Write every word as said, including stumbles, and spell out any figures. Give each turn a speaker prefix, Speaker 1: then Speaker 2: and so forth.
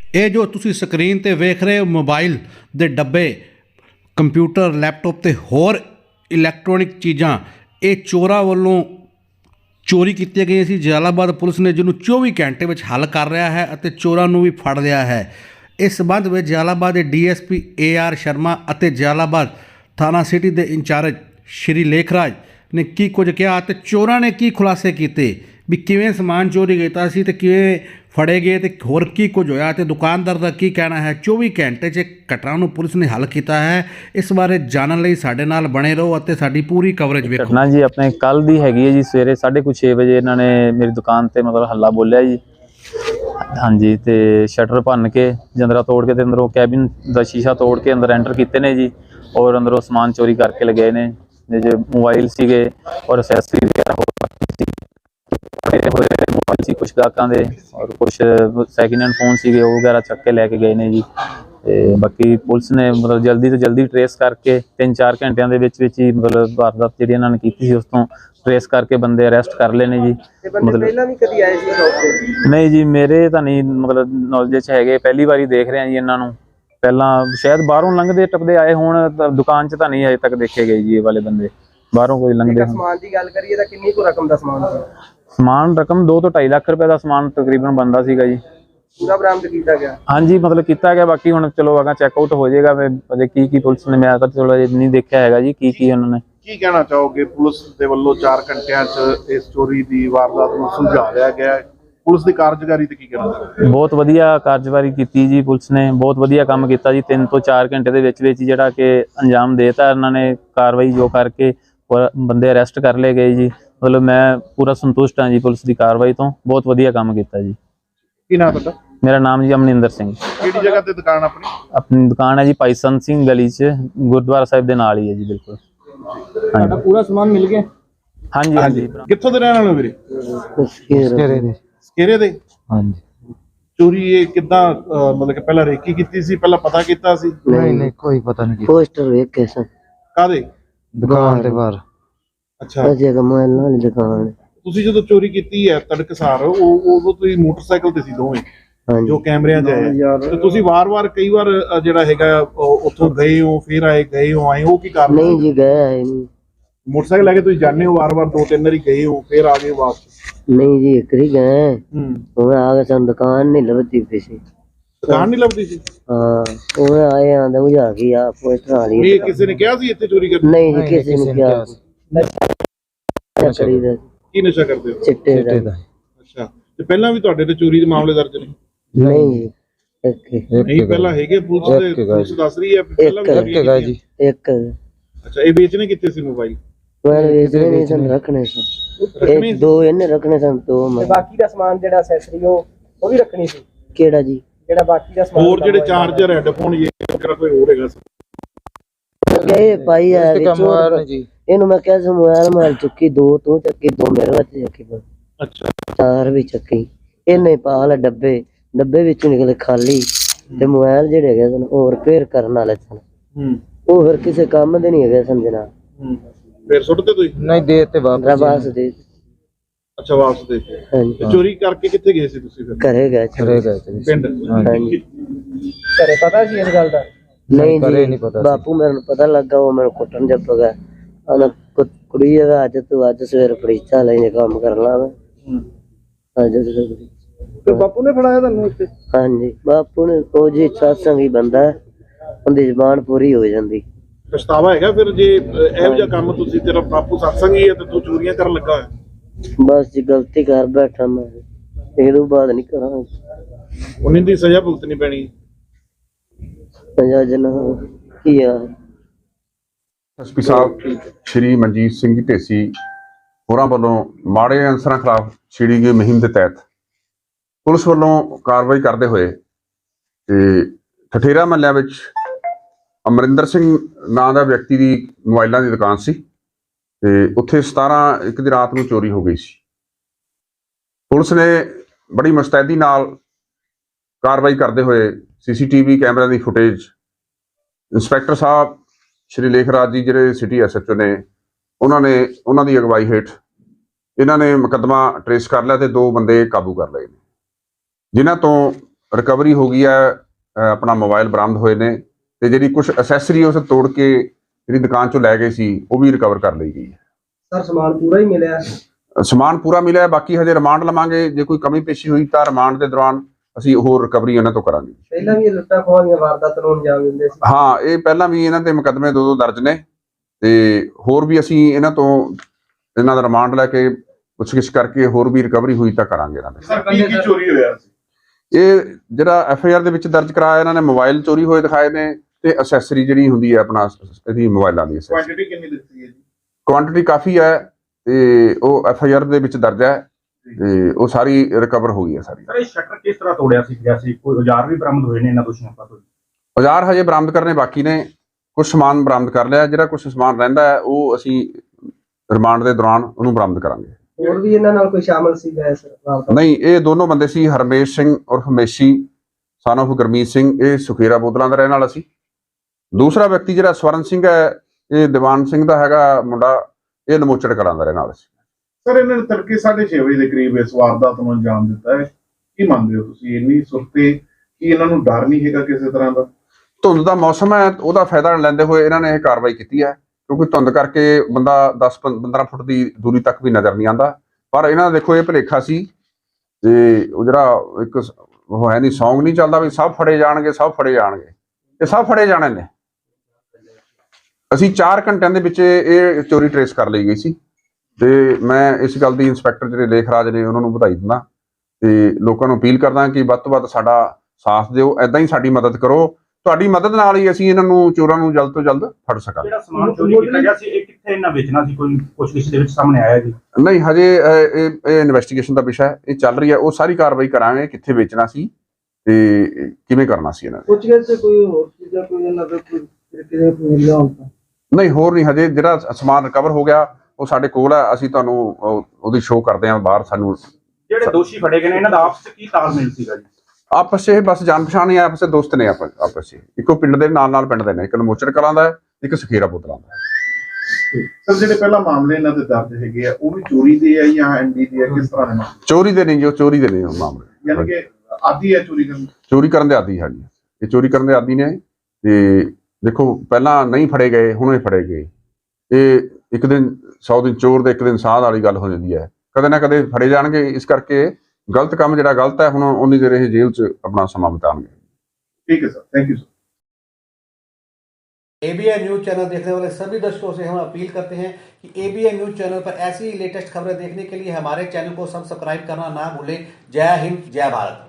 Speaker 1: ਇਹ ਜੋ ਤੁਸੀਂ ਸਕਰੀਨ ਤੇ ਵੇਖ ਰਹੇ ਹੋ ਮੋਬਾਈਲ ਦੇ ਡੱਬੇ, ਕੰਪਿਊਟਰ, ਲੈਪਟਾਪ ਤੇ ਹੋਰ ਇਲੈਕਟ੍ਰੋਨਿਕ ਚੀਜ਼ਾਂ, ਇਹ ਚੋਰਾਂ ਵੱਲੋਂ ਚੋਰੀ ਕੀਤੀਆਂ ਗਈਆਂ ਸੀ। ਜਲਾਲਾਬਾਦ ਪੁਲਿਸ ਨੇ ਜਿਹਨੂੰ ਚੌਵੀ ਘੰਟੇ ਵਿੱਚ ਹੱਲ ਕਰ ਰਿਹਾ ਹੈ ਅਤੇ ਚੋਰਾਂ ਨੂੰ ਵੀ ਫੜ ਲਿਆ ਹੈ। ਇਸ ਸੰਬੰਧ ਵਿੱਚ ਜਲਾਲਾਬਾਦ ਦੇ D S P A R Sharma ਅਤੇ ਜਲਾਲਾਬਾਦ ਥਾਣਾ ਸਿਟੀ ਦੇ ਇੰਚਾਰਜ ਸ਼੍ਰੀ ਲੇਖਰਾਜ ਨੇ ਕੀ ਕੁਝ ਕਿਹਾ ਅਤੇ ਚੋਰਾਂ ਨੇ ਕੀ ਖੁਲਾਸੇ ਕੀਤੇ, ਵੀ ਕਿਵੇਂ ਸਮਾਨ ਚੋਰੀ ਕੀਤਾ ਸੀ ਤੇ ਕਿਵੇਂ ਫੜੇ ਗਏ ਤੇ ਹੋਰ ਕੀ ਕੁਝ ਹੋਇਆ ਤੇ ਦੁਕਾਨਦਾਰ ਦਾ ਕੀ ਕਹਿਣਾ ਹੈ। ਚੌਵੀ ਘੰਟੇ 'ਚ ਘਟਨਾ ਨੂੰ ਪੁਲਿਸ ਨੇ ਹੱਲ ਕੀਤਾ ਹੈ। ਇਸ ਬਾਰੇ ਜਾਣਨ ਲਈ ਸਾਡੇ ਨਾਲ ਬਣੇ ਰਹੋ ਅਤੇ ਸਾਡੀ ਪੂਰੀ ਕਵਰੇਜ ਵੇਖੋ।
Speaker 2: ਘਟਨਾ ਜੀ ਆਪਣੇ ਕੱਲ ਦੀ ਹੈਗੀ ਹੈ ਜੀ। ਸਵੇਰੇ ਸਾਢੇ ਕੁ ਛੇ ਵਜੇ ਇਹਨਾਂ ਨੇ ਮੇਰੀ ਦੁਕਾਨ ਤੇ ਮਤਲਬ ਹੱਲਾ ਬੋਲਿਆ ਜੀ। ਹਾਂਜੀ, ਤੇ ਸ਼ਟਰ ਭੰਨ ਕੇ ਜੰਦਰਾ ਤੋੜ ਕੇ ਤੇ ਅੰਦਰੋਂ ਕੈਬਿਨ ਦਾ ਸ਼ੀਸ਼ਾ ਤੋੜ ਕੇ ਅੰਦਰ ਐਂਟਰ ਕੀਤੇ ਨੇ ਜੀ, ਔਰ ਅੰਦਰੋਂ ਸਮਾਨ ਚੋਰੀ ਕਰਕੇ ਲਗਾਏ ਨੇ। ਜੇ ਮੋਬਾਈਲ ਸੀਗੇ ਔਰ ਅਸੈਸਰੀ ਵਗੈਰਾ ਹੋਰ ਮੋਬਾਈਲ ਸੀ ਕੁਛ ਗਾਹਕਾਂ ਦੇ, ਔਰ ਕੁਛ ਸੈਕਿੰਡ ਹੈਂਡ ਫੋਨ ਸੀਗੇ ਉਹ ਵਗੈਰਾ ਚੱਕ ਕੇ ਲੈ ਕੇ ਗਏ ਨੇ ਜੀ। ਤੇ ਬਾਕੀ ਪੁਲਿਸ ਨੇ ਮਤਲਬ ਜਲਦੀ ਤੋਂ ਜਲਦੀ ਟਰੇਸ ਕਰਕੇ ਤਿੰਨ ਚਾਰ ਘੰਟਿਆਂ ਦੇ ਵਿੱਚ ਵਿੱਚ ਹੀ ਮਤਲਬ ਵਾਰਦਾਤ ਜਿਹੜੀ ਇਹਨਾਂ ਨੇ ਕੀਤੀ ਸੀ ਉਸ ਤੋਂ ਟਰੇਸ ਕਰਕੇ ਬੰਦੇ ਅਰੈਸਟ ਕਰ ਲਏ ਨੇ ਜੀ। ਮਤਲਬ ਪਹਿਲਾਂ ਵੀ ਕਦੀ ਆਏ ਸੀ ਸ਼ੌਪ ਤੇ? ਨਹੀਂ ਜੀ, ਮੇਰੇ ਤਾਂ ਨਹੀਂ ਮਤਲਬ ਨੌਲੇਜ 'ਚ ਹੈਗੇ, ਪਹਿਲੀ ਵਾਰੀ ਦੇਖ ਰਿਹਾ ਜੀ ਇਹਨਾਂ ਨੂੰ। ਪਹਿਲਾਂ ਸ਼ਾਇਦ ਬਾਹਰੋਂ ਲੰਘਦੇ ਟੱਪਦੇ ਆਏ ਹੋਣ, ਦੁਕਾਨ 'ਚ ਤਾਂ ਨਹੀਂ ਅਜੇ ਤੱਕ ਦੇਖੇ ਗਏ ਜੀ ਇਹ ਵਾਲੇ ਬੰਦੇ। ਬਾਹਰੋਂ ਕੋਈ ਲੰਘਦੇ ਸਮਾਨ ਦੀ ਗੱਲ ਕਰੀਏ ਤਾਂ ਕਿੰਨੀ ਕੁ ਰਕਮ ਦਾ ਸਮਾਨ ਸੀ? ਸਮਾਨ ਰਕਮ ਦੋ ਤੋਂ ਢਾਈ ਲੱਖ ਰੁਪਏ ਦਾ ਸਮਾਨ ਤਕਰੀਬਨ ਬਣਦਾ ਸੀਗਾ ਜੀ। ਪੂਰਾ ਬਰਾਮਦ ਕੀਤਾ ਗਿਆ? ਹਾਂਜੀ, ਮਤਲਬ ਕੀਤਾ ਗਿਆ। ਬਾਕੀ ਹੁਣ ਚਲੋ ਅਗਾ ਚੈੱਕ ਆਊਟ ਹੋ ਜਾਏਗਾ ਅਜੇ ਕੀ ਕੀ ਪੁਲਿਸ ਨੇ, ਮੈਂ ਤਾਂ ਚਲੋ ਨਹੀਂ ਦੇਖਿਆ ਹੈਗਾ ਜੀ ਕੀ ਕੀ ਉਹਨਾਂ ਨੇ।
Speaker 3: ਕੀ ਕਹਿਣਾ ਚਾਹੋਗੇ, ਪੁਲਿਸ ਦੇ ਵੱਲੋਂ ਚਾਰ ਘੰਟਿਆਂ 'ਚ ਇਸ ਚੋਰੀ ਦੀ ਵਾਰਦਾਤ ਨੂੰ ਸੁਲਝਾ ਲਿਆ ਗਿਆ, ਪੁਲਿਸ ਦੀ ਕਾਰਜਕਾਰੀ ਤੇ ਕੀ ਕਹਿਣਾ ਚਾਹੋਗੇ?
Speaker 2: ਬਹੁਤ ਵਧੀਆ ਕਾਰਜਕਾਰੀ ਕੀਤੀ ਜੀ ਪੁਲਿਸ ਨੇ, ਬਹੁਤ ਵਧੀਆ ਕੰਮ ਕੀਤਾ ਜੀ। ਤਿੰਨ ਤੋਂ ਚਾਰ ਘੰਟੇ ਦੇ ਵਿੱਚ ਵਿੱਚ ਜਿਹੜਾ ਕਿ ਅੰਜਾਮ ਦੇਤਾ ਇਹਨਾਂ ਨੇ ਕਾਰਵਾਈ ਜੋ ਕਰਕੇ, ਬੰਦੇ ਅਰੈਸਟ ਕਰ ਲਏ ਗਏ ਜੀ। ਮਤਲਬ ਮੈਂ ਪੂਰਾ ਸੰਤੁਸ਼ਟ ਹਾਂ ਜੀ ਪੁਲਿਸ ਦੀ ਕਾਰਵਾਈ ਤੋਂ, ਬਹੁਤ ਵਧੀਆ ਕੰਮ ਕੀਤਾ ਜੀ।
Speaker 3: ਕੀ ਨਾਮ ਤੁਹਾਡਾ?
Speaker 2: ਮੇਰਾ ਨਾਮ ਜੀ ਅਮਨਿੰਦਰ ਸਿੰਘ।
Speaker 3: ਕਿਹੜੀ ਜਗ੍ਹਾ ਤੇ ਦੁਕਾਨ ਆਪਣੀ? ਆਪਣੀ
Speaker 2: ਦੁਕਾਨ ਹੈ ਜੀ ਭਾਈ ਸੰਤ ਸਿੰਘ ਗਲੀ 'ਚ, ਗੁਰਦੁਆਰਾ ਸਾਹਿਬ ਦੇ ਨਾਲ ਹੀ ਹੈ ਜੀ। ਬਿਲਕੁਲ
Speaker 4: ਸਾਡਾ ਪੂਰਾ ਸਮਾਨ ਮਿਲ ਗਿਆ?
Speaker 2: ਹਾਂਜੀ ਹਾਂਜੀ।
Speaker 3: ਕਿੱਥੋਂ ਦੇ ਰਹਿਣ ਵਾਲੇ ਹੋ ਵੀਰੇ?
Speaker 4: ਸਕੇਰੇ ਦੇ।
Speaker 3: ਸਕੇਰੇ ਦੇ?
Speaker 4: ਹਾਂਜੀ।
Speaker 3: ਚੋਰੀ ਇਹ ਕਿੱਦਾਂ ਮਤਲਬ ਕਿ ਪਹਿਲਾਂ ਰੇਕੀ ਕੀਤੀ ਸੀ, ਪਹਿਲਾਂ ਪਤਾ ਕੀਤਾ ਸੀ?
Speaker 4: ਨਹੀਂ ਨਹੀਂ ਕੋਈ ਪਤਾ ਨਹੀਂ। ਪੋਸਟਰ ਵੇਖ ਕੇ ਸਨ।
Speaker 3: ਕਾਦੇ?
Speaker 4: ਦੁਕਾਨ ਦੇ ਬਾਹਰ।
Speaker 3: ਅੱਛਾ,
Speaker 4: ਜਗ੍ਹਾ ਮੋਬਾਈਲ ਨਾਲ ਦੁਕਾਨ।
Speaker 3: ਤੁਸੀਂ ਜਦੋਂ ਚੋਰੀ ਕੀਤੀ ਹੈ ਤੜਕਸਾਰ, ਉਹ ਉਦੋਂ ਤੁਸੀਂ ਮੋਟਰਸਾਈਕਲ ਤੇ ਸੀ ਦੋਵੇਂ ਜੋ ਕੈਮਰਿਆਂ 'ਚ ਆਇਆ, ਤੇ ਤੁਸੀਂ ਵਾਰ-ਵਾਰ ਕਈ ਵਾਰ ਜਿਹੜਾ ਹੈਗਾ ਉੱਥੋਂ ਗਏ ਹੋ ਫਿਰ ਆਏ, ਗਏ ਹੋ ਆਏ, ਉਹ ਕੀ ਕਾਰਨ?
Speaker 4: ਨਹੀਂ ਜੀ ਗਏ ਆਏ ਨਹੀਂ।
Speaker 3: ਮੋਟਰਸਾਈਕਲ ਲੈ ਕੇ ਤੁਸੀਂ ਜਾਂਦੇ ਹੋ ਵਾਰ-ਵਾਰ, ਦੋ ਤਿੰਨ ਵਾਰੀ ਗਏ ਹੋ ਫਿਰ ਆ ਗਏ ਵਾਪਸ?
Speaker 4: ਨਹੀਂ ਜੀ ਇੱਕ ਹੀ ਗਏ।
Speaker 3: ਹੂੰ,
Speaker 4: ਉਹ ਆ ਕੇ ਸਾਨੂੰ ਦੁਕਾਨ ਨਹੀਂ ਲੱਭਦੀ ਪਈ ਸੀ।
Speaker 3: ਦੁਕਾਨ ਨਹੀਂ ਲੱਭਦੀ ਸੀ?
Speaker 4: ਹਾਂ, ਉਹ ਆਏ ਆਂਦੇ ਬੁਝਾ ਗਈ ਆ ਪੋਸਟਰ ਵਾਲੀ।
Speaker 3: ਇਹ ਕਿਸੇ ਨੇ ਕਿਹਾ ਸੀ ਇੱਥੇ ਚੋਰੀ ਕਰਨੀ?
Speaker 4: ਨਹੀਂ ਜੀ ਕਿਸੇ ਨੇ ਕਿਹਾ। ਕਰੀਦਾ
Speaker 3: ਕੀ ਨਸ਼ਾ ਕਰਦੇ ਹੋ?
Speaker 4: ਚਿੱਟੇ ਦਾ।
Speaker 3: ਅੱਛਾ, ਤੇ ਪਹਿਲਾਂ ਵੀ ਤੁਹਾਡੇ ਤੇ ਚੋਰੀ ਦੇ ਮਾਮਲੇ ਦਰਜ ਨੇ?
Speaker 4: ਨਹੀਂ ਜੀ ਇੱਕ
Speaker 3: ਨਹੀਂ, ਪਹਿਲਾਂ ਹੈਗੇ, ਪੁਲਿਸ ਦੇ ਪੁਲਿਸ ਦੱਸ ਰਹੀ ਹੈ ਪਹਿਲਾਂ ਵੀ ਚੋਰੀ
Speaker 4: ਹੈਗਾ ਜੀ। ਇੱਕ।
Speaker 3: ਅੱਛਾ, ਇਹ ਵੇਚਣੇ ਕਿੱਥੇ ਸੀ ਮੋਬਾਈਲ?
Speaker 4: ਮੈਂ ਵੇਚਣੇ ਨਹੀਂ ਸਨ, ਰੱਖਣੇ ਸਨ। ਇਹ ਦੋ ਇਹਨੇ ਰੱਖਣੇ ਸਨ, ਦੋ ਮੈਂ।
Speaker 5: ਬਾਕੀ ਦਾ ਸਮਾਨ ਜਿਹੜਾ ਅਸੈਸਰੀ ਉਹ ਉਹ ਵੀ ਰੱਖਣੀ ਸੀ?
Speaker 4: ਕਿਹੜਾ ਜੀ?
Speaker 5: ਜਿਹੜਾ ਬਾਕੀ ਦਾ ਸਮਾਨ
Speaker 3: ਹੋਰ ਜਿਹੜੇ ਚਾਰਜਰ, ਹੈਡਫੋਨ, ਇਹ ਕਿਹੜਾ ਕੋਈ ਹੋਰ ਹੈਗਾ ਸੀ?
Speaker 4: ਇਹ ਪਾਈ ਆ ਜੀ। ਇਹਨੂੰ ਮੈਂ ਕਿਹਾ ਸੀ ਮੋਬਾਈਲ ਮਾਰ ਚੁੱਕੀ, ਦੋ ਤੂੰ ਚੱਕੀ, ਦੋ ਮੇਰੇ ਵਿੱਚ ਚੱਕੀ।
Speaker 3: ਅੱਛਾ,
Speaker 4: ਤਾਰ ਵੀ ਚੱਕੀ। ਇਹਨੇ ਪਾ ਲੇ ਡੱਬੇ, ਡੱਬੇ ਵਿੱਚੋਂ ਨਿਕਲੇ ਖਾਲੀ, ਤੇ ਮੋਬਾਈਲ ਜਿਹੜੇ ਹੈਗੇ ਸਨ ਉਹ ਰਿਪੇਅਰ ਕਰਨ ਵਾਲੇ ਸਨ।
Speaker 3: ਹੂੰ,
Speaker 4: ਉਹ ਫਿਰ ਕਿਸੇ ਕੰਮ ਦੇ ਨਹੀਂ ਹੈਗੇ ਸਨ ਜਨਾਬ।
Speaker 3: ਹੂੰ, ਫਿਰ ਸੁੱਟਦੇ ਤੁਸੀਂ?
Speaker 4: ਨਹੀਂ ਦੇ ਤੇ ਵਾਪਸ ਦੇ।
Speaker 3: ਅੱਛਾ, ਵਾਪਸ ਦੇ।
Speaker 4: ਹਾਂਜੀ।
Speaker 3: ਚੋਰੀ ਕਰਕੇ ਕਿੱਥੇ ਗਏ ਸੀ ਤੁਸੀਂ ਫਿਰ?
Speaker 4: ਘਰੇ ਗਏ ਘਰੇ ਗਏ
Speaker 3: ਪਿੰਡ?
Speaker 4: ਹਾਂਜੀ।
Speaker 5: ਘਰੇ ਪਤਾ ਸੀ ਇਸ ਗੱਲ ਦਾ?
Speaker 4: ਨਹੀਂ ਜੀ, ਬਾਪੂ ਮੈਨੂੰ ਪਤਾ ਲੱਗਾ, ਉਹ ਮੈਨੂੰ ਕੁੱਟਣ ਜੱਪ ਗਿਆ। ਆਂਦਾ ਕੁੜੀ ਹੈਗਾ, ਅੱਜ ਤੂੰ ਅੱਜ ਸਵੇਰ ਪਰੀਚਾ ਲੈਣੇ ਕੰਮ ਕਰਨਾ ਮੈਂ। ਅੱਜ
Speaker 5: ਫਿਰ ਬਾਪੂ ਨੇ ਫੜਾਇਆ ਤੁਹਾਨੂੰ ਇੱਥੇ?
Speaker 4: ਹਾਂਜੀ, ਬਾਪੂ ਨੇ। ਉਹ ਜੀ ਸਤਸੰਗੀ ਬੰਦਾ, ਉਹਦੀ ਜ਼ਬਾਨ ਪੂਰੀ ਹੋ ਜਾਂਦੀ।
Speaker 3: ਪਛਤਾਵਾ ਹੈਗਾ ਫਿਰ ਜੇ ਇਹੋ ਜਿਹਾ ਕੰਮ ਤੁਸੀਂ, ਤੇਰਾ ਬਾਪੂ ਸਤਸੰਗੀ ਹੈ ਤੇ ਤੂੰ ਚੋਰੀਆਂ ਕਰਨ ਲੱਗਾ ਹੋਇਆ?
Speaker 4: ਬਸ ਜੀ ਗਲਤੀ ਕਰ ਬੈਠਾ ਮੈਂ, ਇਹਦੋਂ ਬਾਅਦ ਨਹੀਂ ਕਰਾਂਗਾ।
Speaker 3: ਉਹਨਾਂ ਦੀ ਸਜ਼ਾ ਭੁਗਤਣੀ ਪੈਣੀ?
Speaker 4: ਸਜ਼ਾ ਜਨਾ ਕੀ ਆ?
Speaker 6: ਐਸ ਪੀ ਸਾਹਿਬ ਸ਼੍ਰੀ ਮਨਜੀਤ ਸਿੰਘ ਢੇਸੀ ਹੋਰਾਂ ਵੱਲੋਂ ਮਾੜੇ ਅਨਸਰਾਂ ਖਿਲਾਫ ਛੇੜੀ ਗਈ ਮੁਹਿੰਮ ਦੇ ਤਹਿਤ ਪੁਲਿਸ ਵੱਲੋਂ ਕਾਰਵਾਈ ਕਰਦੇ ਹੋਏ ਤੇ ਠਠੇਰਾ ਮਹੱਲਿਆਂ ਵਿੱਚ ਅਮਰਿੰਦਰ ਸਿੰਘ ਨਾਂ ਦਾ ਵਿਅਕਤੀ ਦੀ ਮੋਬਾਈਲਾਂ ਦੀ ਦੁਕਾਨ ਸੀ ਤੇ ਉੱਥੇ ਸਤਾਰਾਂ ਇੱਕ ਦੀ ਰਾਤ ਨੂੰ ਚੋਰੀ ਹੋ ਗਈ ਸੀ। ਪੁਲਿਸ ਨੇ ਬੜੀ ਮੁਸਤੈਦੀ ਨਾਲ ਕਾਰਵਾਈ ਕਰਦੇ ਹੋਏ ਸੀਸੀਟੀਵੀ ਕੈਮਰਿਆਂ ਦੀ ਫੁਟੇਜ, ਇੰਸਪੈਕਟਰ ਸਾਹਿਬ ਸ਼੍ਰੀ ਲੇਖਰਾਜ ਜੀ ਜਿਹੜੇ ਸਿਟੀ ਐਸ ਐਚ ਓ ਨੇ, ਉਹਨਾਂ ਨੇ ਉਹਨਾਂ ਦੀ ਅਗਵਾਈ ਹੇਠ ਇਹਨਾਂ ਨੇ ਮੁਕੱਦਮਾ ਟਰੇਸ ਕਰ ਲਿਆ ਤੇ ਦੋ ਬੰਦੇ ਕਾਬੂ ਕਰ ਲਏ ਨੇ, ਜਿਨ੍ਹਾਂ ਤੋਂ ਰਿਕਵਰੀ ਹੋ ਗਈ ਹੈ। ਅ, ਆਪਣਾ ਮੋਬਾਈਲ ਬਰਾਮਦ ਹੋਏ ਨੇ ਤੇ ਜਿਹੜੀ ਕੁਝ ਅਸੈਸਰੀ ਉਸ ਤੋੜ ਕੇ ਜਿਹੜੀ ਦੁਕਾਨ ਚੋਂ ਲੈ ਗਏ ਸੀ ਉਹ ਵੀ ਰਿਕਵਰ ਕਰ ਲਈ ਗਈ ਹੈ।
Speaker 5: ਸਰ ਸਮਾਨ ਪੂਰਾ ਹੀ ਮਿਲਿਆ?
Speaker 6: ਸਮਾਨ ਪੂਰਾ ਮਿਲਿਆ, ਬਾਕੀ ਹਜੇ ਰਿਮਾਂਡ ਲਵਾਂਗੇ। ਜੇ ਕੋਈ ਕਮੀ ਪੇਸ਼ੀ ਹੋਈ ਤਾਂ ਰਿਮਾਂਡ ਦੇ ਦੌਰਾਨ ਅਸੀਂ ਹੋਰ ਰਿਕਵਰੀ ਉਹਨਾਂ ਤੋਂ ਕਰਾਂਗੇ।
Speaker 5: ਪਹਿਲਾਂ ਵੀ ਇਹ ਲੁੱਟਾਂ ਖੋਹਾਂ ਦੀਆਂ ਵਾਰਦਾਤਾਂ ਨੂੰ ਅੰਜਾਮ ਦਿੰਦੇ ਸੀ?
Speaker 6: ਹਾਂ, ਇਹ ਪਹਿਲਾਂ ਵੀ ਇਹਨਾਂ ਤੇ ਮੁਕੱਦਮੇ ਦੋ ਦੋ ਦਰਜ ਨੇ ਤੇ ਹੋਰ ਵੀ ਅਸੀਂ ਇਹਨਾਂ ਤੋਂ ਇਹਨਾਂ ਦਾ ਰਿਮਾਂਡ ਲੈ ਕੇ ਪੁੱਛਗਿੱਛ ਕਰਕੇ ਹੋਰ ਵੀ ਰਿਕਵਰੀ ਹੋਈ ਤਾਂ ਕਰਾਂਗੇ ਇਹਨਾਂ ਦੇ।
Speaker 3: ਸਰ ਕੀ ਕੀ ਚੋਰੀ ਹੋਇਆ ਸੀ?
Speaker 6: ਇਹ ਜਿਹੜਾ ਐਫ ਆਈ ਆਰ ਦੇ ਵਿੱਚ ਦਰਜ ਕਰਾਇਆ ਇਹਨਾਂ ਨੇ ਮੋਬਾਈਲ ਚੋਰੀ ਹੋਏ ਦਿਖਾਏ ਨੇ ਤੇ ਅਸੈਸਰੀ ਜਿਹੜੀ ਹੁੰਦੀ ਹੈ ਆਪਣਾ ਇਹਦੀ ਮੋਬਾਈਲਾਂ ਦੀ
Speaker 3: ਕੁਆਂਟੀਟੀ ਕਿੰਨੀ ਦਿੱਤੀ ਹੈ ਜੀ?
Speaker 6: ਕੁਆਂਟੀਟੀ ਕਾਫੀ ਹੈ ਤੇ ਉਹ ਐਫ ਆਈ ਆਰ ਦੇ ਵਿੱਚ ਦਰਜ ਹੈ ਤੇ ਉਹ ਸਾਰੀ ਰਿਕਵਰ ਹੋ ਗਈ ਹੈ ਸਾਰੀ।
Speaker 7: ਸਰ ਇਹ ਸ਼ਟਰ ਕਿਸ ਤਰ੍ਹਾਂ ਤੋੜਿਆ ਸੀ ਗਿਆ ਸੀ? ਕੋਈ ਔਜ਼ਾਰ ਵੀ ਬਰਾਮਦ ਹੋਏ ਨੇ ਇਹਨਾਂ ਦੋਸ਼ੀਆਂ ਪਾਸੋਂ?
Speaker 6: ਔਜ਼ਾਰ ਹਜੇ ਬਰਾਮਦ ਕਰਨੇ ਬਾਕੀ ਨੇ। ਕੁਝ ਸਮਾਨ ਬਰਾਮਦ ਕਰ ਲਿਆ, ਜਿਹੜਾ ਕੁਝ ਸਮਾਨ ਰਹਿੰਦਾ ਹੈ ਉਹ ਅਸੀਂ ਰਿਮਾਂਡ ਦੇ ਦੌਰਾਨ ਉਹਨੂੰ ਬਰਾਮਦ ਕਰਾਂਗੇ।
Speaker 5: ਹੋਰ ਵੀ ਇਹਨਾਂ ਨਾਲ ਕੋਈ ਸ਼ਾਮਲ ਸੀਗਾ ਇਸ ਵਾਰਦਾਤ?
Speaker 6: ਨਹੀਂ, ਇਹ ਦੋਨੋਂ ਬੰਦੇ ਸੀ ਹਰਮੇਸ਼ ਸਿੰਘ ਉਰਫ ਮੇਸ਼ੀ son of ਗੁਰਮੀਤ ਸਿੰਘ, ਇਹ ਸੁਖੇਰਾ ਬੋਤਲਾਂ ਦਾ ਰਹਿਣ ਵਾਲਾ ਸੀ। ਦੂਸਰਾ ਵਿਅਕਤੀ ਜਿਹੜਾ ਸਵਰਨ ਸਿੰਘ ਹੈ ਇਹ ਦੀਵਾਨ ਸਿੰਘ ਦਾ ਹੈਗਾ ਮੁੰਡਾ, ਇਹ ਨਮੋਚੜ ਕਲਾਂ ਦਾ ਰਹਿਣ ਵਾਲਾ ਸੀ।
Speaker 3: ਸਰ ਇਹਨਾਂ ਨੇ ਤੜਕੇ ਸਾਢੇ ਛੇ ਵਜੇ ਦੇ ਕਰੀਬ ਇਸ ਵਾਰਦਾਤ ਨੂੰ ਅੰਜਾਮ ਦਿੱਤਾ ਹੈ, ਕੀ ਮੰਨਦੇ ਹੋ ਤੁਸੀਂ? ਇੰਨੀ ਸੁਰਤੇ ਕੀ ਇਹਨਾਂ ਨੂੰ ਡਰ ਨਹੀਂ ਹੈਗਾ ਕਿਸੇ ਤਰ੍ਹਾਂ ਦਾ?
Speaker 6: ਧੁੰਦ ਦਾ ਮੌਸਮ ਹੈ, ਉਹਦਾ ਫਾਇਦਾ ਲੈਂਦੇ ਹੋਏ ਇਹਨਾਂ ਨੇ ਇਹ ਕਾਰਵਾਈ ਕੀਤੀ ਹੈ, ਕਿਉਂਕਿ ਧੁੰਦ ਕਰਕੇ ਬੰਦਾ ਦਸ ਪੰਦਰਾਂ ਫੁੱਟ ਦੀ ਦੂਰੀ ਤੱਕ ਵੀ ਨਜ਼ਰ ਨਹੀਂ ਆਉਂਦਾ। ਪਰ ਇਹਨਾਂ ਦਾ ਦੇਖੋ ਇਹ ਭੁਲੇਖਾ ਸੀ ਤੇ ਉਹ ਜਿਹੜਾ ਇੱਕ ਉਹ ਹੈ ਨਹੀਂ ਸੌਂਗ ਨਹੀਂ ਚੱਲਦਾ ਵੀ ਸਭ ਫੜੇ ਜਾਣਗੇ ਸਭ ਫੜੇ ਜਾਣਗੇ, ਇਹ ਸਭ ਫੜੇ ਜਾਣੇ ਨੇ। ਅਸੀਂ ਚਾਰ ਘੰਟਿਆਂ ਦੇ ਵਿੱਚ ਇਹ ਚੋਰੀ ਟਰੇਸ ਕਰ ਲਈ ਗਈ ਸੀ ਤੇ ਮੈਂ ਇਸ ਗੱਲ ਦੀ ਇੰਸਪੈਕਟਰ ਜਿਹੜੇ ਲੇਖ ਰਾਜ ਨੇ ਉਹਨਾਂ ਨੂੰ ਵਧਾਈ ਦਿੰਦਾ ਤੇ ਲੋਕਾਂ ਨੂੰ ਅਪੀਲ ਕਰਦਾ ਕਿ ਵੱਧ ਤੋਂ ਵੱਧ ਸਾਡਾ ਸਾਥ ਦਿਓ, ਐਦਾਂ ਹੀ ਸਾਡੀ ਮਦਦ ਕਰੋ। ਤੁਹਾਡੀ ਮਦਦ ਨਾਲ ਹੀ ਅਸੀਂ ਇਹਨਾਂ ਨੂੰ ਚੋਰਾਂ ਨੂੰ ਜਲਦ ਤੋਂ ਜਲਦ ਫੜ ਸਕਾਂਗੇ।
Speaker 7: ਜਿਹੜਾ ਸਮਾਨ ਚੋਰੀ ਕੀਤਾ ਗਿਆ ਸੀ ਇਹ ਕਿੱਥੇ ਇਹਨਾਂ ਵੇਚਣਾ ਸੀ? ਕੋਈ ਪੁੱਛਗਿੱਛ ਦੇ ਵਿੱਚ ਸਾਹਮਣੇ ਆਇਆ ਜੀ?
Speaker 6: ਨਹੀਂ, ਹਜੇ ਅਹ, ਇਹ ਇਹ ਇਨਵੈਸਟੀਗੇਸ਼ਨ ਦਾ ਵਿਸ਼ਾ ਹੈ, ਇਹ ਚੱਲ ਰਹੀ ਹੈ। ਉਹ ਸਾਰੀ ਕਾਰਵਾਈ ਕਰਾਂਗੇ, ਕਿੱਥੇ ਵੇਚਣਾ ਸੀ ਤੇ ਕਿਵੇਂ ਕਰਨਾ ਸੀ ਇਹਨਾਂ ਨੇ।
Speaker 5: ਕੁਝ ਕਿਸੇ ਕੋਈ ਹੋਰ ਚੀਜ਼ਾਂ ਕੋਈ ਇਹਨਾਂ ਦਾ ਕੋਈ ਤਰੀਕੇ ਦੇ ਮਿਲਿਆ ਹੁੰਦਾ?
Speaker 6: ਨਹੀਂ, ਹੋਰ ਨਹੀਂ। ਹਜੇ ਜਿਹੜਾ ਸਮਾਨ ਰਿਕਵਰ ਹੋ ਗਿਆ ਉਹ ਸਾਡੇ ਕੋਲ ਹੈ, ਅਸੀਂ ਤੁਹਾਨੂੰ ਉਹ- ਉਹਦੀ ਸ਼ੋਅ ਕਰਦੇ ਹਾਂ ਬਾਹਰ। ਸਾਨੂੰ
Speaker 7: ਜਿਹੜੇ ਦੋਸ਼ੀ ਫੜੇ ਗਏ ਨੇ ਇਹਨਾਂ ਦਾ ਆਪਸ ਵਿੱਚ ਕੀ ਤਾਲਮੇਲ ਸੀਗਾ ਜੀ?
Speaker 6: ਆਪਸ 'ਚ ਇਹ ਬਸ ਜਾਣ ਪਛਾਣ ਹੀ ਹੈ, ਆਪਸ 'ਚ ਦੋਸਤ ਨੇ। ਆਪ ਆਪਸ 'ਚ ਇੱਕੋ ਪਿੰਡ ਦੇ ਨਾਲ ਨਾਲ ਪਿੰਡ ਦੇ ਨੇ, ਇੱਕ ਨਮੋਚੜ ਕਲਾਂ ਦਾ ਹੈ, ਇੱਕ ਸੁਖੇਰਾ ਬੋਤਲਾਂ ਦਾ ਹੈ।
Speaker 3: ਸਰ ਜਿਹੜੇ ਪਹਿਲਾਂ ਮਾਮਲੇ ਇਹਨਾਂ ਦੇ ਦਰਜ ਹੈਗੇ ਆ ਉਹ ਵੀ ਚੋਰੀ ਦੇ ਆ ਜਾਂ ਐਨਡੀ ਦੇ ਆ, ਕਿਸ ਤਰ੍ਹਾਂ ਦੇ ਮਾਮਲੇ?
Speaker 6: ਚੋਰੀ ਦੇ ਨਹੀਂ, ਜੋ ਚੋਰੀ ਦੇ ਨੇ ਉਹ ਮਾਮਲੇ।
Speaker 3: ਯਾਨੀ ਕਿ ਆਦੀ ਹੈ ਚੋਰੀ ਕਰਨ?
Speaker 6: ਚੋਰੀ ਕਰਨ ਦੇ ਆਦੀ ਹੈ ਜੀ, ਇਹ ਚੋਰੀ ਕਰਨ ਦੇ ਆਦੀ ਨੇ। ਤੇ ਦੇਖੋ ਪਹਿਲਾਂ ਨਹੀਂ ਫੜੇ ਗਏ, ਹੁਣ ਇਹ ਫੜੇ ਗਏ। ਇਹ ਇੱਕ ਦਿਨ ਸੌ ਦਿਨ ਚੋਰ ਦੇ ਇੱਕ ਦਿਨ ਸਾਧ ਵਾਲੀ ਗੱਲ ਹੋ ਜਾਂਦੀ ਹੈ, ਕਦੇ ਨਾ ਕਦੇ ਫੜੇ ਜਾਣਗੇ। ਇਸ ਕਰਕੇ ਗਲਤ ਕੰਮ ਜਿਹੜਾ ਗਲਤ ਹੈ, ਹੁਣ ਉਨੀ ਦੇਰ ਇਹ ਜੇਲ੍ਹ 'ਚ ਆਪਣਾ ਸਮਾਂ ਬਿਤਾਉਣਗੇ।
Speaker 3: ठीक है sir, thank you sir.
Speaker 1: ABN news channel देखने वाले सभी दर्शकों से हम अपील करते हैं कि एबीएन न्यूज चैनल पर ऐसी लेटेस्ट खबरें देखने के लिए हमारे चैनल को सब्सक्राइब करना ना भूलें। जय हिंद, जय भारत।